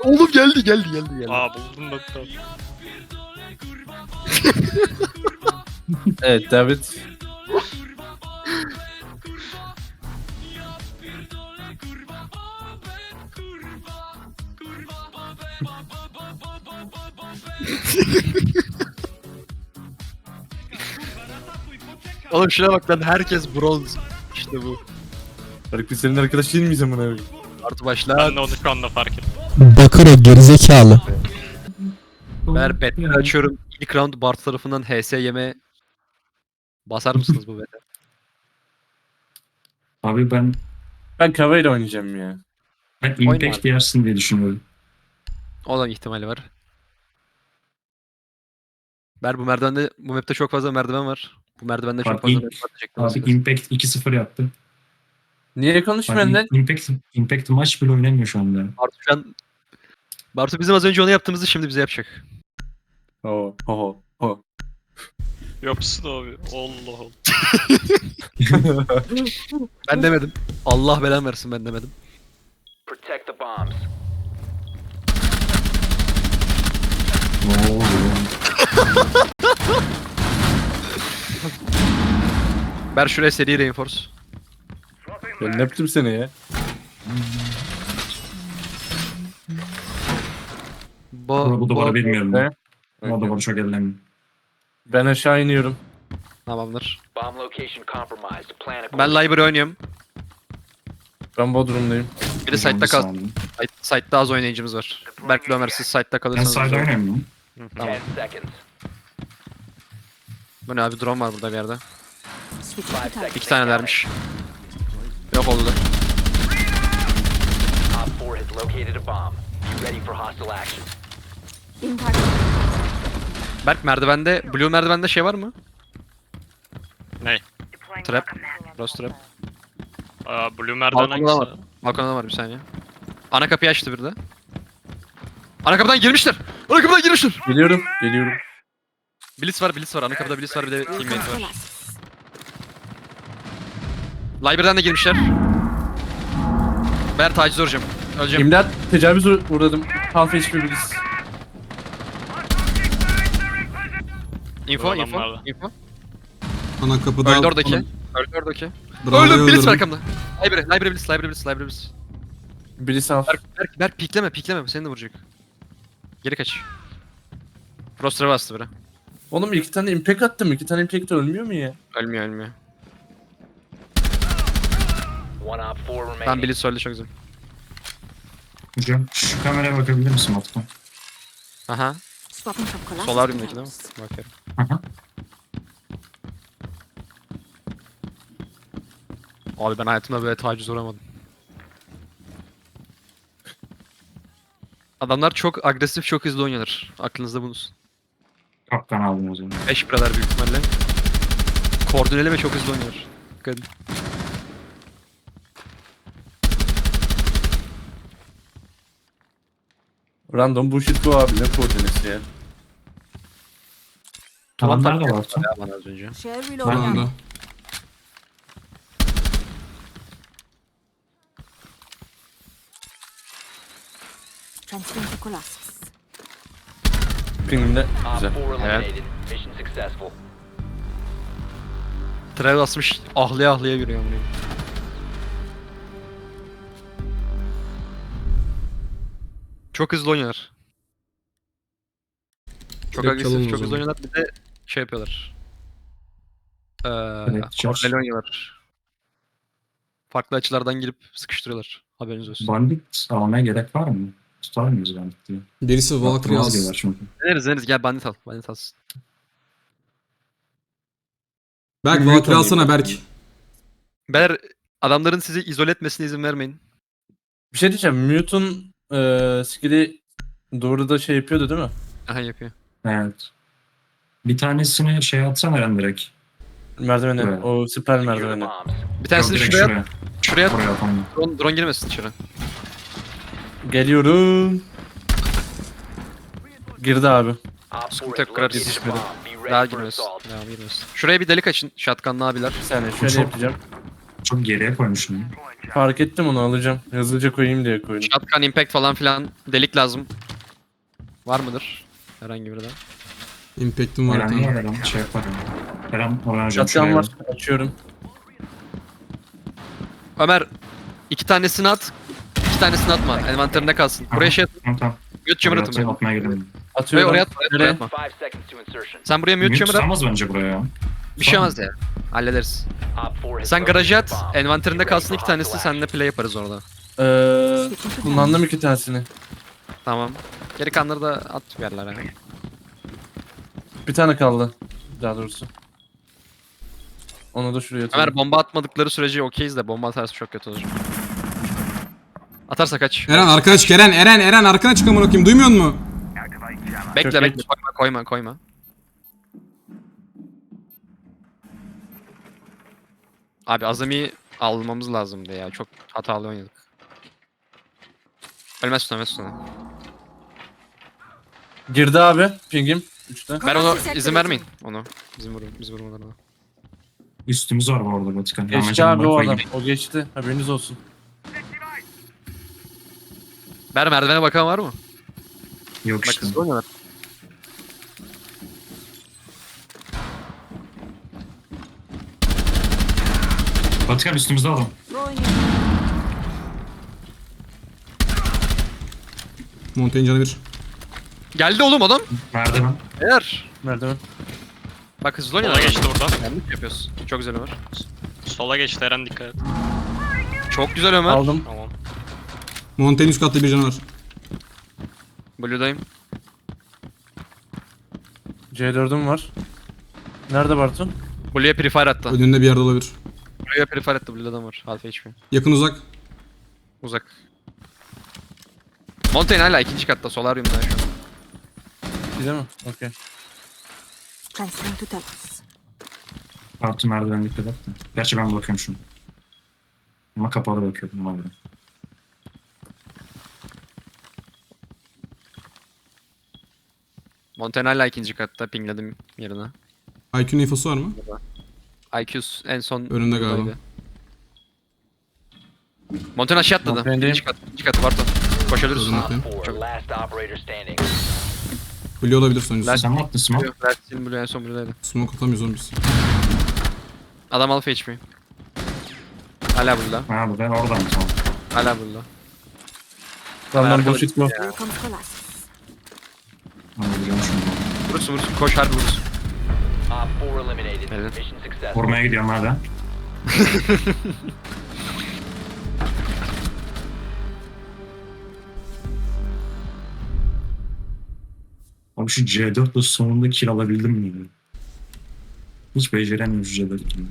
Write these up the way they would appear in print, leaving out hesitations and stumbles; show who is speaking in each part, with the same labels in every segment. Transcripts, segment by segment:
Speaker 1: Oğlum geldi.
Speaker 2: Aa buldum nokta.
Speaker 3: Evet David.
Speaker 1: Oğlum şuna bak lan, herkes bronz. İşte bu.
Speaker 3: Faruk biz senin arkadaş değil miyiz amına koyayım?
Speaker 1: Artı başla.
Speaker 2: Ben de onu şu anda fark ettim.
Speaker 4: Bakır gerizekalı.
Speaker 1: Ben betleri açıyorum. İlk round Bart tarafından HS yeme basar mısınız bu bete?
Speaker 5: Abi ben
Speaker 3: Ben ile oynayacağım ya.
Speaker 1: Oyna
Speaker 5: Impact
Speaker 1: abi.
Speaker 5: yersin diye düşünüyorum.
Speaker 1: O da ihtimali var. Bu merdivende, bu map'te çok fazla merdiven var. Bu merdivende çok
Speaker 5: Bak,
Speaker 1: fazla
Speaker 5: ilk-
Speaker 1: merdiven atacaklar.
Speaker 5: Abi Impact 2-0 yaptı.
Speaker 3: Niye konuşmuyorsun lan?
Speaker 5: Impact maç bile oynamıyor şu anda.
Speaker 1: Bartu bizim az önce onu yaptığımızı şimdi bize yapacak.
Speaker 3: Ho.
Speaker 2: Yapsın abi. Allah Allah.
Speaker 1: Ben demedim. Allah belanı versin, ben demedim.
Speaker 6: Protect the bombs.
Speaker 5: Ne oluyor?
Speaker 1: Ver şuraya seri reinforce.
Speaker 3: Ben ne yaptım seni ya?
Speaker 5: Bu duvarı bilmiyorum ben.
Speaker 3: Ne?
Speaker 5: O duvarı çok ellemiyorum.
Speaker 3: Ben aşağı iniyorum.
Speaker 1: Tamamdır.
Speaker 6: Bomb location compromised. Plan
Speaker 1: Ben
Speaker 6: accordingly.
Speaker 1: library oynuyorum.
Speaker 3: Ben Bodrum'dayım.
Speaker 1: Biri site'da kal.
Speaker 5: Saniye.
Speaker 1: Site'da az oynayıcımız var. Berk Ömer, siz site'da
Speaker 5: Ben
Speaker 1: kalırsanız.
Speaker 5: side oynamıyorum.
Speaker 1: Tamam.
Speaker 6: 10 seconds.
Speaker 1: Bu ne abi, drone var burada bir yerde.
Speaker 6: 5 seconds.
Speaker 1: 2 tanelermiş. Yok oldu.
Speaker 6: Op 4 has located a bomb. Be ready for hostile action.
Speaker 1: Berk merdivende, blue merdivende şey var mı?
Speaker 2: Ne?
Speaker 1: Trap. Rose trap.
Speaker 2: Aa Blue merdiven
Speaker 1: Balkonda var.
Speaker 2: hangisi?
Speaker 1: Balkonda var, bir saniye. Ana kapıyı açtı bir de. Ana kapıdan girmişler. Ana kapıdan girmişler.
Speaker 3: Geliyorum.
Speaker 1: Blitz var. Ana kapıda Blitz var, bir de teammate var. Library'den de girmişler. Ben taciz olacağım. Öleceğim.
Speaker 3: İmdat tecavüz uğradım. Half HP biliriz.
Speaker 1: Info.
Speaker 2: Adamlarla.
Speaker 4: Ana kapıda...
Speaker 1: Öldü oradaki.
Speaker 4: Bravo'yu
Speaker 1: Öldü, Blitz var
Speaker 4: öldürdüm.
Speaker 1: arkamda. Library Blitz.
Speaker 3: Birisi half.
Speaker 1: Berk pikleme. Seni de vuracak. Geri kaç. Frost'a bastı biri.
Speaker 3: Oğlum 2 tane impact attım. 2 tane impact ölmüyor mu ya?
Speaker 1: Ölmüyor.
Speaker 6: One op 4
Speaker 1: Tam
Speaker 6: remaining.
Speaker 1: Blitz öldü, çok güzel.
Speaker 5: Hocam şu kameraya bakabilir misin Utku?
Speaker 1: Aha. Solaryum'daki değil mi? Bakıyorum.
Speaker 5: Aha.
Speaker 1: Abi ben hayatımda böyle taciz uğramadım. Adamlar çok agresif, çok hızlı oynuyorlar. Aklınızda bulunsun.
Speaker 5: Kaptan aldım o zaman.
Speaker 1: 5 buralar büyük ihtimalle. Koordineli ve çok hızlı oynuyorlar. Dikkat edin.
Speaker 3: Random bullshit bu abi. Ne koordinesi ya?
Speaker 5: Adamlar da
Speaker 1: taktiği
Speaker 5: var.
Speaker 1: yaptı ya bana az önce.
Speaker 4: Anda.
Speaker 3: Pingimde.
Speaker 6: Op
Speaker 3: Güzel.
Speaker 6: 4 eliminated. Mission successful.
Speaker 1: Travel asmış, ahlaya yürüyor amına. Çok hızlı oynuyorlar. Çok
Speaker 4: Direkt çalın
Speaker 1: agresif,
Speaker 4: o
Speaker 1: çok hızlı
Speaker 4: zaman.
Speaker 1: oynuyorlar. Bir de şey yapıyorlar.
Speaker 5: Evet, Charles.
Speaker 1: Koordineli oynuyorlar. Farklı açılardan girip sıkıştırıyorlar. Haberiniz olsun.
Speaker 5: Bandit almaya gerek var mı? Tutar mıyız Bandit diye?
Speaker 4: Birisi Valkyrie
Speaker 5: Yaptırmaz diyorlar
Speaker 4: alsın.
Speaker 5: çünkü.
Speaker 1: Deneriz. Gel bandit al. Bandit alsın.
Speaker 4: Berk
Speaker 3: Büyük
Speaker 4: Valkyrie
Speaker 3: oynayayım
Speaker 4: alsana
Speaker 3: ben.
Speaker 4: Berk.
Speaker 1: Beyler, adamların sizi izole etmesine izin vermeyin.
Speaker 3: Bir şey diyeceğim. Mute'un skill'i doğruda şey yapıyordu değil mi?
Speaker 1: Aha, yapıyor.
Speaker 5: Evet. Bir tanesini şey atsana Eren direkt.
Speaker 3: Merdivene.
Speaker 5: Evet.
Speaker 3: O süper
Speaker 6: Secure the
Speaker 3: merdivene.
Speaker 6: bombs.
Speaker 1: Bir tanesini
Speaker 5: Yok, direkt
Speaker 1: şuraya at.
Speaker 5: Oraya atalım.
Speaker 1: Drone girmesin içeri.
Speaker 3: Geliyorum. Girdi abi.
Speaker 6: Op 4
Speaker 1: Sıkıntı
Speaker 6: has
Speaker 1: yok, kırar
Speaker 6: located a
Speaker 1: yetişmedi.
Speaker 6: bomb. Be
Speaker 1: Daha
Speaker 6: ready for
Speaker 1: girmesin.
Speaker 6: assault.
Speaker 1: Devam girmesin. Şuraya bir delik açın. Shotgun'lı abiler.
Speaker 3: Bir saniye şöyle
Speaker 5: Çok-
Speaker 3: yapacağım.
Speaker 5: Çok geriye koymuşum.
Speaker 3: Fark ettim, onu alacağım. Hızlıca koyayım diye koydum.
Speaker 1: Shotgun, impact falan filan delik lazım. Var mıdır? Herhangi biri de.
Speaker 4: Impact'im var bir
Speaker 5: Eren
Speaker 4: tane.
Speaker 5: Eren şey yaparım. Eren oraya hocam
Speaker 3: Shotgun
Speaker 5: şuraya.
Speaker 3: var. Açıyorum.
Speaker 1: Ömer 2 tanesini at. 2 tanesini atma. Envanterinde kalsın. Buraya şey at.
Speaker 5: Tamam.
Speaker 1: Mute chamber atın
Speaker 5: Atayım,
Speaker 1: buraya.
Speaker 5: atmaya gidelim.
Speaker 1: Buraya
Speaker 3: Atıyorum.
Speaker 1: oraya atma. Oraya
Speaker 3: Nereye?
Speaker 1: atma.
Speaker 6: 5 seconds to insertion.
Speaker 1: Sen buraya mute
Speaker 5: Mute
Speaker 1: chamber at.
Speaker 5: tutamaz bence buraya ya.
Speaker 1: Bir şey olmaz ya. Hallederiz.
Speaker 6: Op 4 has
Speaker 1: Sen garajı at.
Speaker 6: located a bomb.
Speaker 1: Envanterinde
Speaker 6: Be ready
Speaker 1: kalsın
Speaker 6: for
Speaker 1: 2 tanesi.
Speaker 6: hostile
Speaker 1: Seninle play yaparız orada.
Speaker 3: Kullandım 2 tanesini.
Speaker 1: Tamam. Geri kanları da at bir yerlere.
Speaker 3: Bir tane kaldı. Daha doğrusu. Onu da şuraya atıyorum.
Speaker 1: Ömer bomba atmadıkları sürece okeyiz de bomba atarsa çok kötü olur. Atarsa kaç.
Speaker 4: Eren arkana çık Eren. Eren arkana çık amına koyayım. Duymuyor musun?
Speaker 1: Bekle
Speaker 3: Çok
Speaker 1: bekle koyma. Abi Azami'yi almamız lazımdı ya. Çok hatalı oynadık. Ölmezsin.
Speaker 3: Girdi abi. Pingim. 3'te.
Speaker 1: Ben onu izin vermeyin. Onu. Bizim vurmalarına.
Speaker 5: Üstümüz var bu arada Vatikan.
Speaker 3: Geçti abi o adam. O geçti. Haberiniz olsun.
Speaker 1: Merdivene bakan var mı?
Speaker 5: Yok
Speaker 1: Bak
Speaker 5: işte.
Speaker 1: hızlı oynuyorlar.
Speaker 5: Vatikan üstümüzde adam.
Speaker 4: Montaigne canı bir.
Speaker 1: Geldi oğlum adam.
Speaker 5: Merdiven.
Speaker 1: Eğer.
Speaker 3: Merdiven.
Speaker 1: Bak hızlı
Speaker 2: Sola
Speaker 1: oynuyorlar.
Speaker 2: geçti buradan.
Speaker 1: Yanlış yapıyoruz. Çok güzel Ömer.
Speaker 2: Sola geçti Eren, dikkat et.
Speaker 1: Çok güzel Ömer.
Speaker 3: Aldım.
Speaker 2: Tamam.
Speaker 4: Montaigne üst katta bir canı var.
Speaker 1: Blue'dayım.
Speaker 3: C4'üm var. Nerede Bartu?
Speaker 1: Blue'ya prefire attı.
Speaker 4: Önünde bir yerde olabilir.
Speaker 1: Blue'ya prefire attı. Blue'da var. Half HP.
Speaker 4: Yakın uzak.
Speaker 1: Uzak. Montaigne hala ikinci katta. Solarium'da şu an.
Speaker 3: Değil mi? Okey.
Speaker 7: Transferring to Talos.
Speaker 5: Artı merdiven dikkat et de. Gerçi ben bakıyorum şunu. Ama kapalı bakıyorum abi.
Speaker 1: Montaigne hala ikinci katta. Pingledim yerine.
Speaker 4: IQ'nun infosu var mı?
Speaker 1: IQ's en son...
Speaker 4: Önünde galiba.
Speaker 1: buradaydı. Montaigne aşağı atladı.
Speaker 3: Montaign'deyim.
Speaker 1: İkinci kat Barton. Koşabiliriz.
Speaker 4: Gördüm.
Speaker 6: Op
Speaker 4: Bakayım.
Speaker 6: 4 last operator standing.
Speaker 4: Blue olabilir sonuncusu.
Speaker 5: Sen mi attın smoke?
Speaker 1: Versin Blue en son Blue'daydı.
Speaker 4: Smoke atamıyoruz oğlum biz.
Speaker 1: Adam alfa HP. Hala Blue'da.
Speaker 5: Ha bu ben oradan tamam.
Speaker 1: Hala Blue'da.
Speaker 3: Tamam
Speaker 1: Arkada
Speaker 3: bullshit bu.
Speaker 7: Here comes Colossus.
Speaker 5: Anlayacağım şunu.
Speaker 1: Vurursun. Koş harbi vurursun.
Speaker 6: Op 4 eliminated.
Speaker 1: Evet.
Speaker 6: Mission successful.
Speaker 5: Vurmaya gidiyorum hala. Abi şu C4'le sonunda kill alabildim mi? Ya? Hiç beceremiyorum şu C4 kill'ini.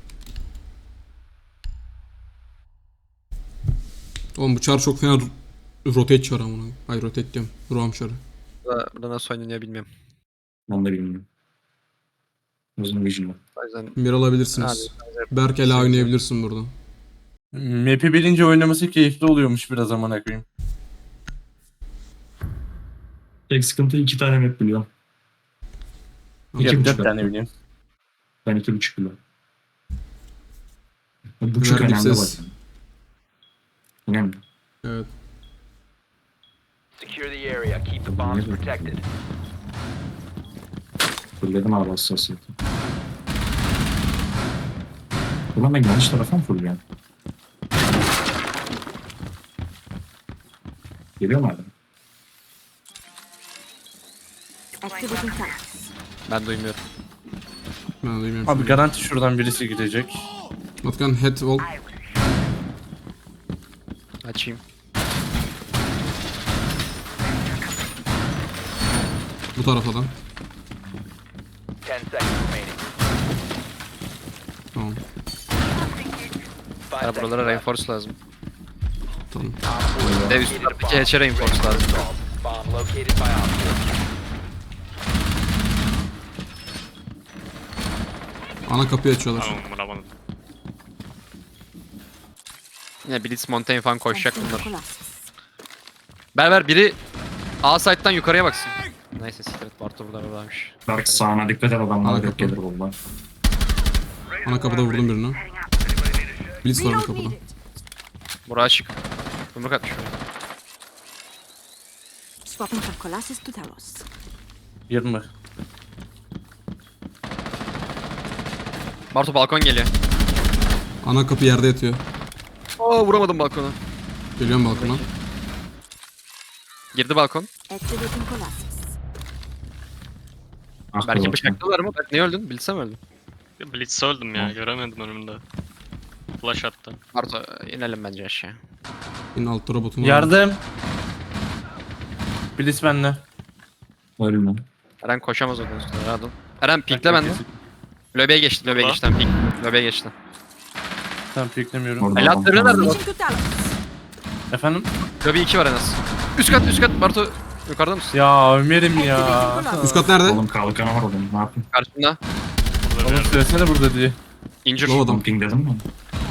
Speaker 4: Oğlum bu çar çok fena rotate çar amına. Hayır rotate diyorum. Roam çarı.
Speaker 1: Burada nasıl oynanıyor bilmiyorum.
Speaker 5: Ben de bilmiyorum. Uzun vision var.
Speaker 1: O yüzden
Speaker 4: Bir alabilirsiniz. Berk ela oynayabilirsin burada.
Speaker 3: Map'i bilince oynaması keyifli oluyormuş biraz amına koyayım.
Speaker 5: Tek sıkıntı 2 tane map biliyorum. İki
Speaker 3: Ya
Speaker 5: buçuk
Speaker 3: 4
Speaker 5: at.
Speaker 3: tane biliyorum.
Speaker 5: Ben 2,5 biliyorum. Bu çok
Speaker 4: Verdik
Speaker 5: önemli
Speaker 4: ses.
Speaker 5: bak. Önemli.
Speaker 4: Evet.
Speaker 6: Secure the area. Keep the bombs protected.
Speaker 5: Fulledim abi hassasiyeti. Ulan ben yanlış tarafa mı fulluyorum? Geliyor mu hala?
Speaker 7: Activating Talos.
Speaker 1: ben duymuyorum.
Speaker 4: Ben duymuyorum.
Speaker 3: Abi
Speaker 4: Abi
Speaker 3: garanti şuradan birisi gidecek.
Speaker 4: Matkan head wall.
Speaker 1: Açayım.
Speaker 4: Bu taraftan.
Speaker 6: 10 seconds remaining.
Speaker 4: Tamam.
Speaker 6: 5
Speaker 1: Ya
Speaker 6: seconds
Speaker 1: buralara
Speaker 6: left.
Speaker 1: reinforce lazım.
Speaker 4: Tamam.
Speaker 1: Dev üst taraftaki hatch'e reinforce lazım.
Speaker 6: Bomb located by Op 4.
Speaker 4: Ana kapıyı açıyorlar.
Speaker 2: Tamam, vuramadım.
Speaker 1: Yine Blitz, Montaigne falan koşacak
Speaker 7: Transferring to
Speaker 1: bunlar.
Speaker 7: Colossus.
Speaker 1: Berber biri A site'dan yukarıya baksın. Neyse sikret Bartu buradaymış.
Speaker 5: Dark sağına dikkat et adamlar
Speaker 4: Hala
Speaker 5: yok
Speaker 4: kapı.
Speaker 5: gelir bunlar.
Speaker 4: Ana kapıda vurdum birini. Blitz var ana
Speaker 7: Reload
Speaker 4: kapıda.
Speaker 7: needed.
Speaker 1: Buraya açık. Yumruk atmış oraya.
Speaker 7: Swapping from Colossus to Talos.
Speaker 3: 20.
Speaker 1: Bartu balkon geliyor.
Speaker 4: Ana kapı yerde yatıyor.
Speaker 1: Aa vuramadım balkona.
Speaker 4: Geliyorum balkona.
Speaker 1: Girdi balkon.
Speaker 7: Activating Colossus.
Speaker 5: Ah,
Speaker 1: Belki
Speaker 5: doğru.
Speaker 1: bıçaklılar mı? Belki niye öldün? Bilsem öldüm.
Speaker 2: Blitz'e öldüm ya.
Speaker 5: Hı.
Speaker 2: Göremedim önümde. Flash attı.
Speaker 1: Bartu inelim bence aşağı.
Speaker 4: Yine altta robotum var.
Speaker 3: Yardım. Blitz benle.
Speaker 5: Ölme.
Speaker 1: Eren koşamaz oradan üstüne. Rahat ol. Eren pinkle bende. Löbe'ye geçti. Löbe'ye
Speaker 2: Burada.
Speaker 1: geçti. Tamam, pink. Löbe'ye geçti.
Speaker 3: Tamam piklemiyorum.
Speaker 5: Orada
Speaker 1: El
Speaker 5: adam
Speaker 1: atları
Speaker 5: falan.
Speaker 1: nerede?
Speaker 7: Reaching to Talos.
Speaker 3: Efendim?
Speaker 1: Löbe 2 var en az. Üst kat üst kat. Bartu yukarıda mısın?
Speaker 3: Ya Ömer'im ya.
Speaker 7: Activating Colossus.
Speaker 4: Üst kat nerede?
Speaker 5: Oğlum kalkanı var oğlum. Ne yapayım?
Speaker 1: Karşında.
Speaker 2: Burada bir
Speaker 3: Oğlum
Speaker 2: yerde.
Speaker 3: söylesene burada diye.
Speaker 1: İncir.
Speaker 4: Low adam.
Speaker 5: Pumping dedim mi?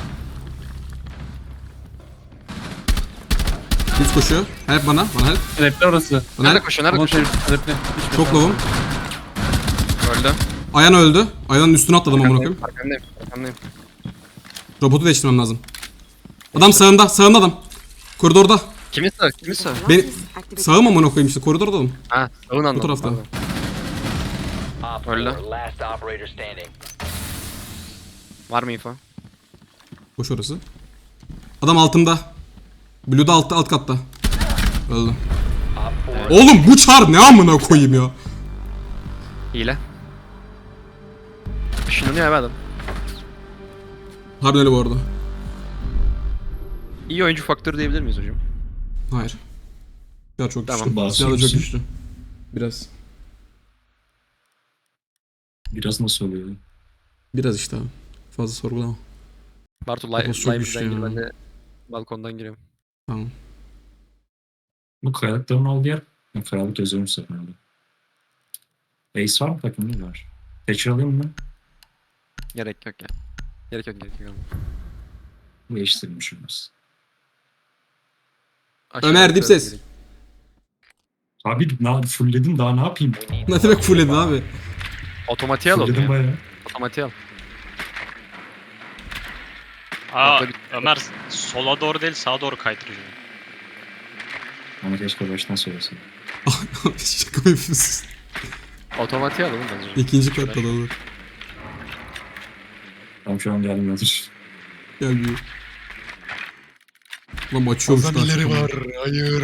Speaker 4: Düz koşuyor. Help bana. Bana help.
Speaker 3: Trap'te orası.
Speaker 4: Bana
Speaker 1: Nerede
Speaker 4: help.
Speaker 1: koşuyor? Nerede
Speaker 3: Ama
Speaker 1: koşuyor?
Speaker 3: trap'te.
Speaker 4: Çok low'um.
Speaker 1: Öldü.
Speaker 4: Ayhan öldü. Ayhan'ın üstüne atladım amına koyayım.
Speaker 1: Arkamdayım. Arkamdayım.
Speaker 4: Robotu değiştirmem lazım. Adam sağında. Sağında adam. Koridorda.
Speaker 1: Kimin sağ? Kimin sağ?
Speaker 4: Ben-
Speaker 7: Colossus activating.
Speaker 4: Sağım amına koyayım işte. Koridorda adam.
Speaker 1: Ha, sağın anladım.
Speaker 4: Bu tarafta.
Speaker 1: Pardon.
Speaker 6: Op
Speaker 1: Öyle.
Speaker 6: 4, last operator standing.
Speaker 1: Var mı info?
Speaker 4: Boş orası. Adam altımda. Blue'da alt katta. Öldü.
Speaker 6: Op 4
Speaker 4: Oğlum bu çar ne amına koyayım ya.
Speaker 1: Hile. Işınlanıyor abi adam.
Speaker 4: Harbiden öyle bu arada.
Speaker 1: İyi oyuncu faktörü diyebilir miyiz hocam?
Speaker 4: Hayır. Silah çok
Speaker 1: Tamam.
Speaker 4: güçlü.
Speaker 5: Basıyor
Speaker 4: Silah da çok
Speaker 5: musun?
Speaker 4: güçlü. Biraz.
Speaker 5: Biraz nasıl oluyor?
Speaker 4: Biraz işte abi. Fazla sorgulama.
Speaker 1: Bartu
Speaker 4: Kafası çok
Speaker 1: live'den
Speaker 4: güçlü
Speaker 1: gir
Speaker 4: ya.
Speaker 1: ben de balkondan giriyorum.
Speaker 4: Tamam.
Speaker 5: Bu kayalıkların olduğu yer. Ben kayalık yazıyorum seferinde. Ace var mı takımda? Var. Thatcher alayım mı?
Speaker 1: Gerek yok ya. Gerek yok.
Speaker 5: Değiştirmiş olmaz.
Speaker 1: Aşağı
Speaker 4: Ömer,
Speaker 1: yukarı
Speaker 4: dip ses.
Speaker 1: gerek.
Speaker 5: Abi fullledim daha ne yapayım?
Speaker 6: we need
Speaker 4: Ne
Speaker 6: to
Speaker 4: demek
Speaker 6: locate
Speaker 4: full
Speaker 6: a
Speaker 4: edin
Speaker 6: bomb.
Speaker 4: abi?
Speaker 1: Otomatiğe al onu
Speaker 5: Fullledim
Speaker 1: ya.
Speaker 5: bayağı.
Speaker 1: Otomatiğe al.
Speaker 2: Aa
Speaker 1: Orada bir-
Speaker 2: Ömer sola doğru değil sağa doğru kaydırıyor.
Speaker 5: Ama keşke baştan söylesin.
Speaker 4: Şaka mı yapıyorsun?
Speaker 1: Otomatiğe al oğlum bence.
Speaker 4: İkinci katta da olur.
Speaker 5: Tam şu an gelmiyordur.
Speaker 4: Gelmiyor. Lan açıyormuş da açıyor.
Speaker 1: Hayır.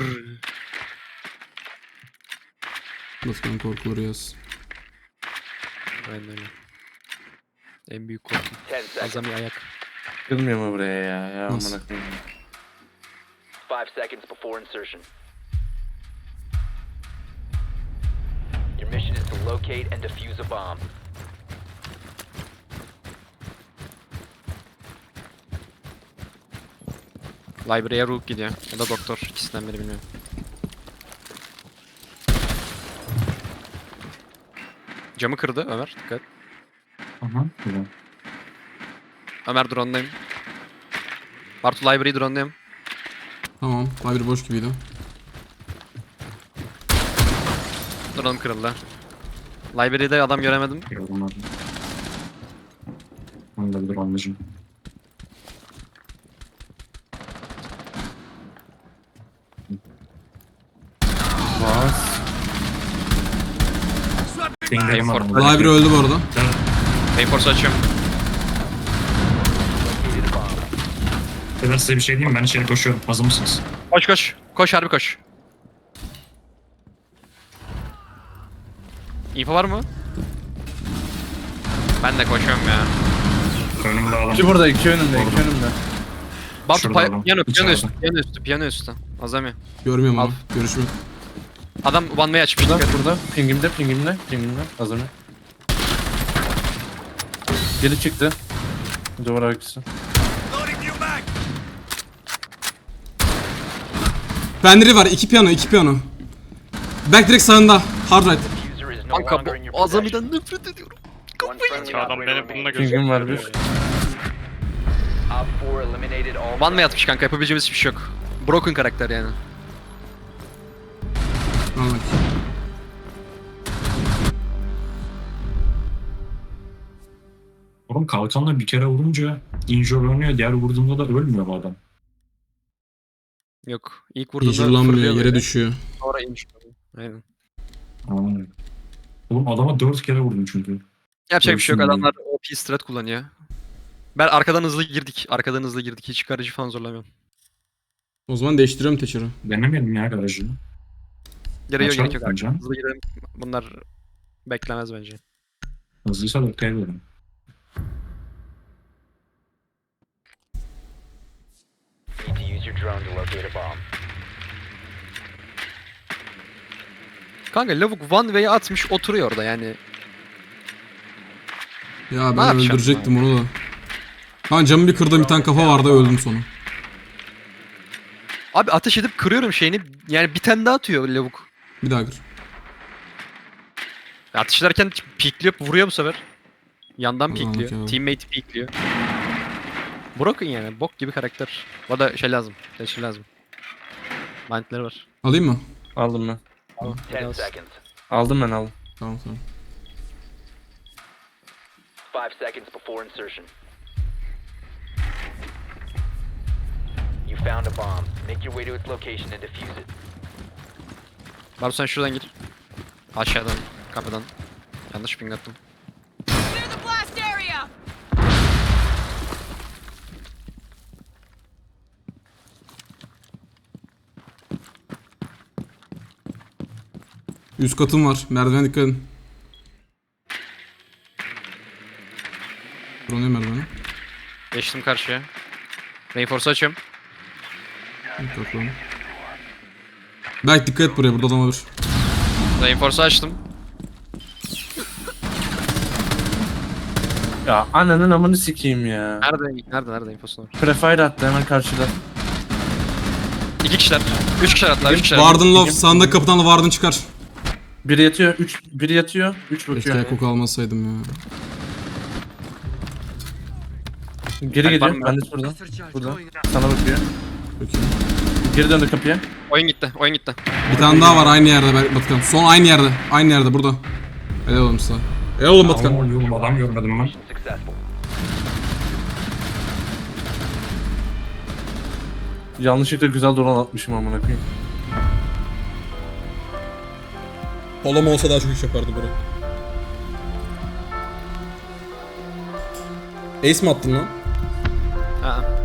Speaker 4: Lütfen korkuları yaz.
Speaker 1: Aynen öyle. En büyük korkum.
Speaker 6: 10 seconds.
Speaker 1: Azami ayak.
Speaker 3: Kılmıyor mu buraya ya? Ya
Speaker 4: Nasıl?
Speaker 3: amına koyayım.
Speaker 6: 5 seconds before insertion. Your mission is to locate and defuse a bomb.
Speaker 1: Library'e Rook gidiyor. Ya da Doktor. İkisinden biri bilmiyorum. Camı kırdı Ömer. Dikkat.
Speaker 5: Aha. Güzel.
Speaker 1: Ömer drone'dayım. Bartu Library'i drone'dayım.
Speaker 4: Tamam. Library boş gibiydi.
Speaker 1: Drone'um kırıldı. Library'de adam göremedim.
Speaker 5: Yorulmadım. Onu da bir anlayacağım.
Speaker 3: Bas.
Speaker 5: Pinglerim var.
Speaker 1: Hadi.
Speaker 4: Library öldü bu arada.
Speaker 1: Payforce açıyorum.
Speaker 6: Located a bomb.
Speaker 5: Ben size bir şey diyeyim mi? Ben içeri koşuyorum. Hazır mısınız?
Speaker 1: Koş koş. Koş harbi koş. Info var mı? Ben de koşuyorum ya.
Speaker 5: Önümde adam.
Speaker 3: İki burada, iki önümde, iki
Speaker 5: Orada.
Speaker 3: önümde.
Speaker 1: Bartu
Speaker 5: Şurada adam.
Speaker 1: piyano
Speaker 5: İçeride.
Speaker 1: üstü, piyano üstü, piyano üstü. Azami.
Speaker 4: Görmüyorum
Speaker 1: Al.
Speaker 4: ama. Görüşmek.
Speaker 1: Adam one way açmış.
Speaker 3: Burada,
Speaker 1: Dikkat.
Speaker 3: burada. Pingimde, pingimde, pingimde. Hazır mı? Geri çıktı. Duvar arkası.
Speaker 4: Fender'i var. İki piyano. İki piyano. Back direkt sağında. Hard right.
Speaker 6: Diffuser is no
Speaker 1: Kanka
Speaker 6: longer in your
Speaker 1: bu Azami'den
Speaker 6: possession.
Speaker 1: nefret ediyorum.
Speaker 6: One friendly
Speaker 2: Adam
Speaker 6: operator
Speaker 2: beni bununla
Speaker 6: remaining.
Speaker 3: Pingim var bir.
Speaker 6: Op 4 eliminated all
Speaker 1: One way
Speaker 6: friendlies.
Speaker 1: atmış kanka yapabileceğimiz hiçbir şey yok. Broken karakter yani.
Speaker 4: Al bak.
Speaker 5: Oğlum kalkanla bir kere vurunca injure oynuyor. Diğer vurduğumda da ölmüyor bu adam.
Speaker 1: Yok. İlk vurduğunda
Speaker 4: Hicirlanmıyor,
Speaker 1: fırlıyor
Speaker 4: yere
Speaker 1: böyle.
Speaker 4: düşüyor.
Speaker 1: Sonra inmiş. Aynen.
Speaker 5: Aa. Oğlum adama 4 kere vurdum çünkü.
Speaker 1: Yapacak bir şey yok.
Speaker 5: Görsün
Speaker 1: Adamlar OP strat kullanıyor. Ben arkadan hızlı girdik. Arkadan hızlı girdik. Hiç garajı falan zorlamıyorum.
Speaker 4: O zaman değiştiriyorum Thatcher'ı.
Speaker 5: Denemeyelim ya garajı.
Speaker 1: Gerek yok,
Speaker 5: Açalım
Speaker 1: gerek yok.
Speaker 5: bence.
Speaker 1: Hızlı girelim. Bunlar beklemez bence.
Speaker 5: Hızlıysa 4 kere veririm.
Speaker 6: Need to use your drone to locate a bomb.
Speaker 1: Kanka lavuk one way atmış oturuyor orada yani.
Speaker 4: Ya
Speaker 1: Ne
Speaker 4: ben
Speaker 1: yapacağım
Speaker 4: öldürecektim onu da. Ha camı bir kırdım, bir tane kafa vardı, öldüm sonra.
Speaker 1: Abi ateş edip kırıyorum şeyini. Yani bir tane daha atıyor lavuk.
Speaker 4: Bir daha kır.
Speaker 1: Ateş ederken pikliyor, vuruyor bu sefer. Yandan
Speaker 4: O zaman
Speaker 1: pikliyor.
Speaker 4: okey abi.
Speaker 1: Teammate pikliyor. Broken yani. Bok gibi karakter. O da şey lazım. Şey lazım. Mindleri var.
Speaker 4: Alayım mı?
Speaker 3: Aldım ben.
Speaker 6: 10 seconds.
Speaker 3: Aldım ben aldım.
Speaker 4: Tamam tamam.
Speaker 6: 5 seconds before insertion. You found a bomb. Make your way to its location and defuse it.
Speaker 1: Bartu sen şuradan gir. Aşağıdan, kapıdan. Yanlış ping attım.
Speaker 7: Clear the blast area!
Speaker 4: Üst katım var. Merdiven dikkat edin. Buraya merdiveni.
Speaker 1: Geçtim karşıya. Reinforce açıyorum.
Speaker 4: Dikkat lan. Belki dikkat et buraya, burada adam olabilir.
Speaker 1: Reinforce açtım.
Speaker 3: Ya ananın amını sikeyim ya.
Speaker 1: Nerede infosu var?
Speaker 3: Prefire attı hemen karşıda.
Speaker 1: 2 kişiler. 3 kişiler hatta 3 kişiler.
Speaker 4: Warden Love, sağındaki kapıdan da Warden çıkar.
Speaker 3: Biri yatıyor, biri yatıyor, 3 bakıyor.
Speaker 4: Keşke koku almasaydım ya.
Speaker 3: Geri
Speaker 1: Var
Speaker 3: geliyor,
Speaker 1: mı?
Speaker 3: ben de şurada. Burada. Sana bakıyor.
Speaker 4: Peki.
Speaker 3: Geri döndü kapıya.
Speaker 1: Oyun gitti. Oyun gitti.
Speaker 4: Bir tane daha var aynı yerde Batıkan. Son aynı yerde. Aynı yerde burada. Helal oğlum size. Helal oğlum Batıkan.
Speaker 5: Oğlum adam görmedim ben.
Speaker 6: Successful.
Speaker 3: Yanlışlıkla güzel drone atmışım amına koyayım.
Speaker 4: Polom olsa daha çok iş yapardı bro. Ace mi attın lan?
Speaker 1: Ha.